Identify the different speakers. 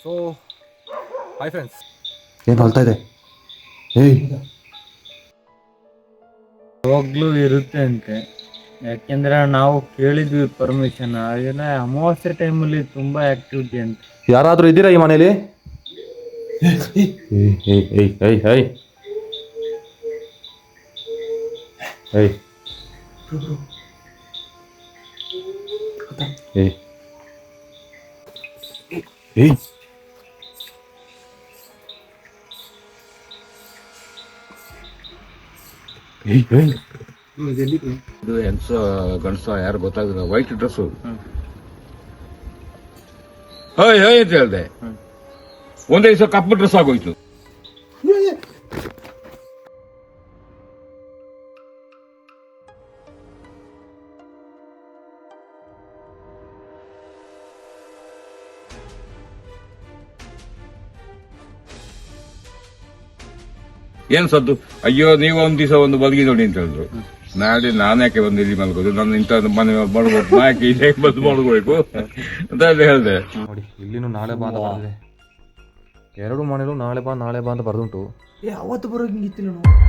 Speaker 1: So hi friends,
Speaker 2: ಏನು ಹೊಲ್ತಾ ಇದೆ? ಏಯ್,
Speaker 3: ಯಾವಾಗ್ಲೂ ಇರುತ್ತೆ ಅಂತೆ. ಯಾಕೆಂದ್ರೆ ನಾವು ಕೇಳಿದ್ವಿ ಪರ್ಮಿಷನ್. ಹಾಗೆಲ್ಲ ಅಮಾವಾಸ್ಯೆ ಟೈಮಲ್ಲಿ ತುಂಬಾ ಆಕ್ಟಿವಿಟಿ ಅಂತ.
Speaker 2: ಯಾರಾದರೂ ಇದ್ದೀರಾ ಈ ಮನೇಲಿ? ಏಯ್ ಏಯ್ ಏಯ್ ಏಯ್ ಏಯ್ ಏಯ್ ಏಯ್ ಏಯ್ ಏಯ್ ಏಯ್
Speaker 4: ಇದು ಹೆಂಗಸ ಗಂಡಸ ಯಾರು ಗೊತ್ತಾಗಿಲ್ಲ. ವೈಟ್ ಡ್ರೆಸ್ ಹೈ ಹೈ ಅಂತ ಹೇಳ್ದೆ. ಒಂದೇ ದಿವಸ ಕಪ್ಪು ಡ್ರೆಸ್ ಆಗೋಯ್ತು. ಏನ್ ಸದ್ದು? ಅಯ್ಯೋ, ನೀವು ಒಂದ್ ದಿವಸ ಒಂದು ಬಲ್ಗಿ ನೋಡಿ ಅಂತ ಹೇಳಿದ್ರು. ನಾಳೆ ನಾನು ಯಾಕೆ ಬಂದು ಇಲ್ಲಿ ಮಲ್ಗೋದು, ನನ್ನ ಇಂಥ ಮನೆ ಮಲ್ಗೋದು, ನಾ ಯಾಕೆ ಇಲ್ಲಿ ಬಂದು ಮಲ್ಗೋಬೇಕು ಅಂತ ಹೇಳಿದೆ.
Speaker 2: ನೋಡಿ, ಇಲ್ಲಿನೂ ನಾಳೆ ಬಾ ಅಂತ ಬರ್ದಿದೆ. ಎರಡು ಮನೇಲೂ ನಾಳೆ ಬಾ ಅಂತ ಬರ್ದುಂಟು.
Speaker 1: ಅವತ್ತು ಬರೋಂಗಿತ್ತು ನಾನು.